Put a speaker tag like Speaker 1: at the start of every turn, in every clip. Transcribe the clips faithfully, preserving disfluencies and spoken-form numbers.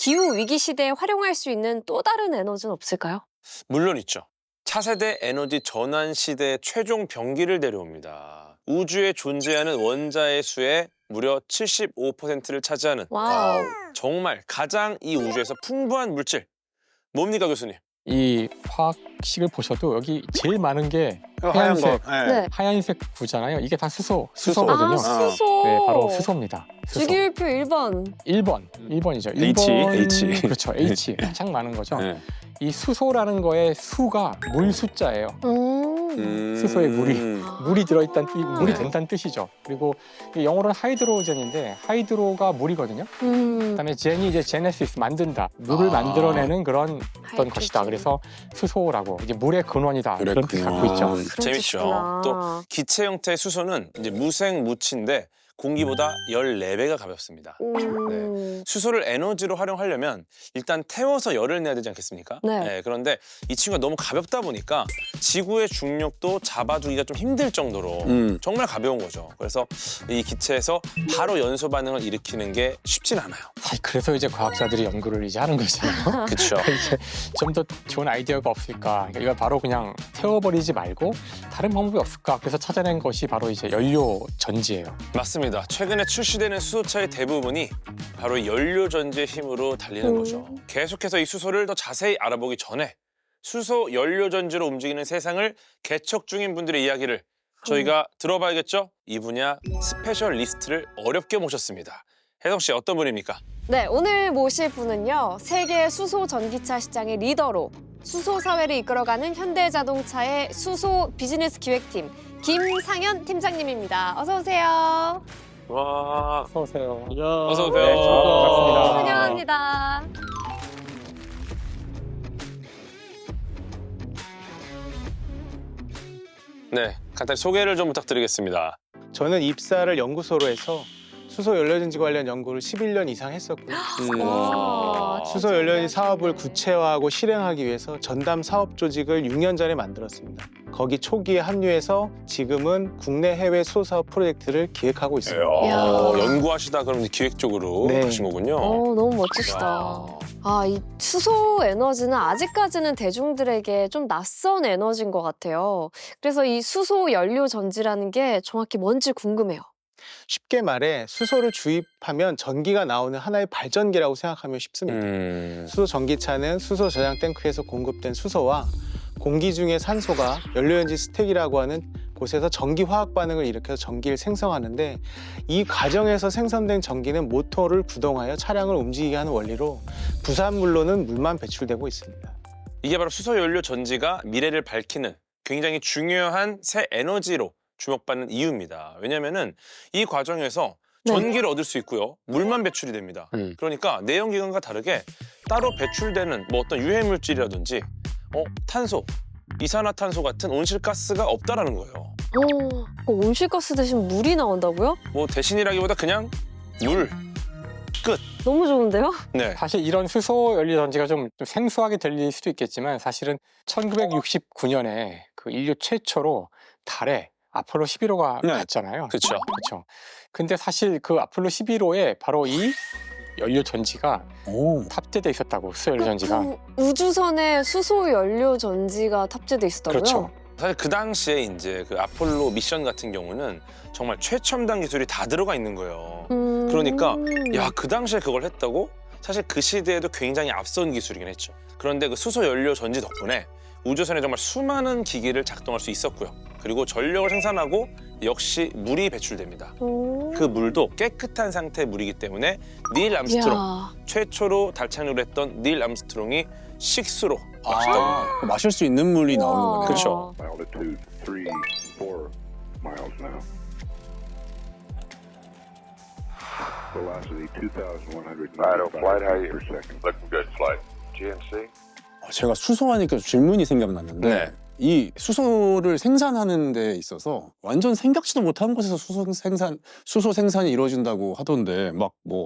Speaker 1: 기후 위기 시대에 활용할 수 있는 또 다른 에너지는 없을까요?
Speaker 2: 물론 있죠. 차세대 에너지 전환 시대의 최종 병기를 내려옵니다. 우주에 존재하는 원자의 수의 무려 칠십오 퍼센트를 차지하는
Speaker 1: 와우.
Speaker 2: 정말 가장 이 우주에서 풍부한 물질. 뭡니까, 교수님?
Speaker 3: 이 화학식을 보셔도 여기 제일 많은 게
Speaker 4: 하얀 거.
Speaker 3: 하얀색,
Speaker 4: 네.
Speaker 1: 네.
Speaker 3: 하얀색 구잖아요. 이게 다 수소,
Speaker 4: 수소.
Speaker 3: 수소거든요.
Speaker 1: 아, 수소.
Speaker 3: 네, 바로 수소입니다. 수소.
Speaker 1: 주기율표 일 번.
Speaker 3: 일 번, 일 번이죠.
Speaker 4: H,
Speaker 3: 일 번,
Speaker 4: H.
Speaker 3: 그렇죠, H. 가장 많은 거죠.
Speaker 4: 네.
Speaker 3: 이 수소라는 거의 수가 물 숫자예요.
Speaker 1: 음.
Speaker 3: 수소에 물이. 물이 들어있다는 뜻, 물이
Speaker 4: 네.
Speaker 3: 된다는 뜻이죠. 그리고 이 영어로는 하이드로젠인데 하이드로가 물이거든요.
Speaker 1: 음.
Speaker 3: 그다음에 젠이 이제 제네시스 만든다, 물을
Speaker 4: 아.
Speaker 3: 만들어내는 그런 어떤
Speaker 1: 하이드로젠.
Speaker 3: 것이다. 그래서 수소라고 이제 물의 근원이다 이런 뜻을 갖고 있죠.
Speaker 1: 그런
Speaker 2: 재밌죠.
Speaker 1: 뜻이구나.
Speaker 2: 또 기체 형태의 수소는 이제 무생 무치인데 공기보다 열네 배가 가볍습니다.
Speaker 1: 음.
Speaker 2: 수소를 에너지로 활용하려면 일단 태워서 열을 내야 되지 않겠습니까?
Speaker 1: 네.
Speaker 2: 그런데 이 친구가 너무 가볍다 보니까 지구의 중력도 잡아두기가 좀 힘들 정도로
Speaker 4: 음.
Speaker 2: 정말 가벼운 거죠. 그래서 이 기체에서 바로 연소 반응을 일으키는 게 쉽진 않아요.
Speaker 3: 사실 그래서 이제 과학자들이 연구를 이제 하는 거잖아요.
Speaker 2: 그렇죠.
Speaker 3: 이제 좀 더 좋은 아이디어가 없을까? 그러니까 이걸 바로 그냥 태워버리지 말고 다른 방법이 없을까? 그래서 찾아낸 것이 바로 이제 연료 전지예요.
Speaker 2: 맞습니다. 최근에 출시되는 수소차의 대부분이 바로 연료 전지의 힘으로 달리는
Speaker 1: 음.
Speaker 2: 거죠. 계속해서 이 수소를 더 자세히 알아보기 전에 수소 연료 전지로 움직이는 세상을 개척 중인 분들의 이야기를 저희가 들어봐야겠죠? 이 분야 스페셜리스트를 어렵게 모셨습니다. 혜성 씨 어떤 분입니까?
Speaker 1: 네, 오늘 모실 분은요. 세계 수소 전기차 시장의 리더로 수소 사회를 이끌어가는 현대자동차의 수소 비즈니스 기획팀 김상현 팀장님입니다. 어서 오세요.
Speaker 2: 와,
Speaker 3: 어서 오세요.
Speaker 2: 어서 오세요.
Speaker 3: 네, 반갑습니다.
Speaker 1: 환영합니다.
Speaker 2: 네, 간단히 소개를 좀 부탁드리겠습니다.
Speaker 5: 저는 입사를 연구소로 해서 수소 연료전지 관련 연구를 십일 년 이상 했었고요.
Speaker 1: 와,
Speaker 5: 수소 연료전지 사업을 구체화하고 실행하기 위해서 전담 사업 조직을 육 년 전에 만들었습니다. 거기 초기에 합류해서 지금은 국내 해외 수소 사업 프로젝트를 기획하고 있습니다.
Speaker 1: 이야.
Speaker 2: 어, 연구하시다 그럼 기획 쪽으로
Speaker 5: 네.
Speaker 2: 하신 거군요.
Speaker 1: 어, 너무 멋지시다.
Speaker 2: 야.
Speaker 1: 아, 이 수소 에너지는 아직까지는 대중들에게 좀 낯선 에너지인 것 같아요. 그래서 이 수소 연료 전지라는 게 정확히 뭔지 궁금해요.
Speaker 5: 쉽게 말해 수소를 주입하면 전기가 나오는 하나의 발전기라고 생각하면 쉽습니다.
Speaker 2: 음.
Speaker 5: 수소 전기차는 수소 저장 탱크에서 공급된 수소와 공기 중의 산소가 연료연지 스택이라고 하는 곳에서 전기 화학 반응을 일으켜서 전기를 생성하는데 이 과정에서 생성된 전기는 모터를 구동하여 차량을 움직이게 하는 원리로 부산물로는 물만 배출되고 있습니다.
Speaker 2: 이게 바로 수소 연료 전지가 미래를 밝히는 굉장히 중요한 새 에너지로 주목받는 이유입니다. 왜냐면은 이 과정에서
Speaker 1: 네.
Speaker 2: 전기를 얻을 수 있고요. 물만 배출이 됩니다.
Speaker 4: 음.
Speaker 2: 그러니까 내연기관과 다르게 따로 배출되는 뭐 어떤 유해 물질이라든지 어, 탄소, 이산화탄소 같은 온실가스가 없다라는 거예요.
Speaker 1: 어, 그 온실가스 대신 물이 나온다고요?
Speaker 2: 뭐 대신이라기보다 그냥 물.
Speaker 1: 너무 좋은데요?
Speaker 2: 네.
Speaker 3: 사실 이런 수소 연료 전지가 좀, 좀 생소하게 들릴 수도 있겠지만 사실은 천구백육십구 년에 그 인류 최초로 달에 아폴로 십일 호가
Speaker 4: 네.
Speaker 3: 갔잖아요.
Speaker 2: 그렇죠.
Speaker 3: 그렇죠. 근데 사실 그 아폴로 십일 호에 바로 이 연료 전지가
Speaker 4: 오.
Speaker 3: 탑재돼 있었다고, 수소 연료 전지가.
Speaker 1: 그 우주선에 수소 연료 전지가 탑재돼 있었다고요?
Speaker 3: 그렇죠.
Speaker 2: 사실 그 당시에 이제 그 아폴로 미션 같은 경우는 정말 최첨단 기술이 다 들어가 있는 거예요.
Speaker 1: 음...
Speaker 2: 그러니까 야, 그 당시에 그걸 했다고? 사실 그 시대에도 굉장히 앞선 기술이긴 했죠. 그런데 그 수소 연료 전지 덕분에 우주선에 정말 수많은 기기를 작동할 수 있었고요. 그리고 전력을 생산하고 역시 물이 배출됩니다.
Speaker 1: 음...
Speaker 2: 그 물도 깨끗한 상태의 물이기 때문에 닐 암스트롱,
Speaker 1: 이야.
Speaker 2: 최초로 달 착륙을 했던 닐 암스트롱이 식수로 마셨다고 합니다.
Speaker 4: 아, 마실 수 있는 물이 나오는
Speaker 1: 우와.
Speaker 4: 거네요.
Speaker 2: 그렇죠.
Speaker 6: Altitude three, four miles now. Velocity two thousand one hundred
Speaker 7: Right, on flight, how you?
Speaker 6: per second.
Speaker 7: Looking good, flight. G N C?
Speaker 4: 아, 제가 수소하니까 질문이 생각났는데
Speaker 2: 네.
Speaker 4: 이 수소를 생산하는 데 있어서 완전 생각지도 못한 곳에서 수소 생산 수소 생산이 이루어진다고 하던데 막 뭐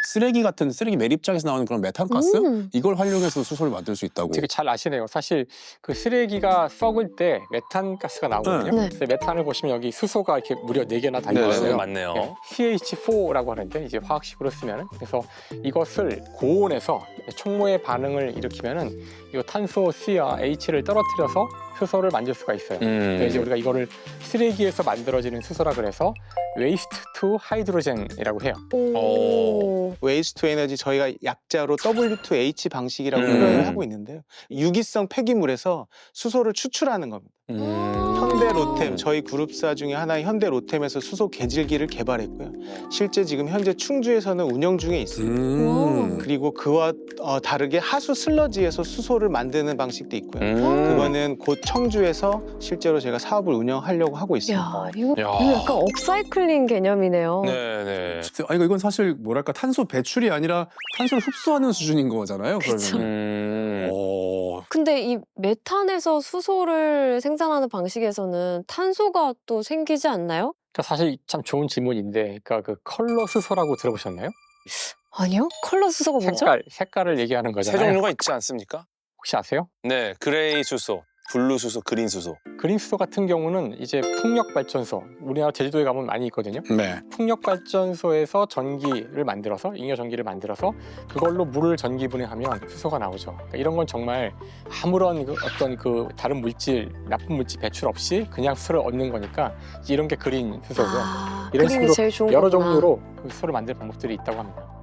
Speaker 4: 쓰레기 같은 쓰레기 매립장에서 나오는 그런 메탄가스
Speaker 1: 음.
Speaker 4: 이걸 활용해서 수소를 만들 수 있다고.
Speaker 3: 되게 잘 아시네요. 사실 그 쓰레기가 썩을 때 메탄가스가 나오거든요.
Speaker 1: 네.
Speaker 3: 그래서 메탄을 보시면 여기 수소가 이렇게 무려 네 개나 달려
Speaker 2: 네,
Speaker 3: 있어요.
Speaker 2: 맞네요.
Speaker 3: 네, 씨 에이치 포라고 하는데 이제 화학식으로 쓰면은 그래서 이것을 고온에서 촉모의 반응을 일으키면은 이 탄소 C와 H를 떨어뜨려서 수소를 만들 수가 있어요.
Speaker 2: 음.
Speaker 3: 그래서 이제 우리가 이거를 쓰레기에서 만들어지는 수소라 그래서 웨이스트 투 하이드로젠이라고 해요.
Speaker 1: 오.
Speaker 5: 웨이스트 투 에너지 저희가 약자로 더블유 투 에이치 방식이라고
Speaker 2: 음.
Speaker 5: 표현을 하고 있는데요. 유기성 폐기물에서 수소를 추출하는 겁니다.
Speaker 2: 음.
Speaker 5: 현대 로템, 저희 그룹사 중에 하나인 현대 로템에서 수소 개질기를 개발했고요. 실제 지금 현재 충주에서는 운영 중에 있습니다.
Speaker 4: 음.
Speaker 5: 그리고 그와 어, 다르게 하수 슬러지에서 수소를 만드는 방식도 있고요.
Speaker 2: 음.
Speaker 5: 그거는 곧 청주에서 실제로 제가 사업을 운영하려고 하고 있습니다.
Speaker 1: 야, 이거,
Speaker 2: 야.
Speaker 1: 이거 약간 업사이클링 개념이네요.
Speaker 2: 네네.
Speaker 4: 아 이거 이건 사실 뭐랄까 탄소 배출이 아니라 탄소를 흡수하는 수준인 거잖아요.
Speaker 1: 그쵸.
Speaker 4: 그러면.
Speaker 2: 음.
Speaker 4: 어.
Speaker 1: 근데 이 메탄에서 수소를 생산하는 방식에서는 탄소가 또 생기지 않나요?
Speaker 3: 그러니까 사실 참 좋은 질문인데, 그러니까 그 컬러 수소라고 들어보셨나요?
Speaker 1: 아니요. 컬러 수소가 뭐죠?
Speaker 3: 색깔, 색깔을 얘기하는
Speaker 2: 세
Speaker 3: 거잖아요.
Speaker 2: 종류가 있지 않습니까?
Speaker 3: 혹시 아세요?
Speaker 2: 네, 그레이 수소, 블루 수소, 그린 수소.
Speaker 3: 그린 수소 같은 경우는 이제 풍력 발전소, 우리나라 제주도에 가면 많이 있거든요.
Speaker 4: 네.
Speaker 3: 풍력 발전소에서 전기를 만들어서 잉여 전기를 만들어서 그걸로 물을 전기 분해하면 수소가 나오죠. 그러니까 이런 건 정말 아무런 그 어떤 그 다른 물질, 나쁜 물질 배출 없이 그냥 수소를 얻는 거니까 이런 게 그린 수소고요.
Speaker 1: 아,
Speaker 3: 이런
Speaker 1: 그림이
Speaker 3: 식으로
Speaker 1: 제일 좋은
Speaker 3: 여러
Speaker 1: 거구나.
Speaker 3: 종류로 그 수소를 만드는 방법들이 있다고 합니다.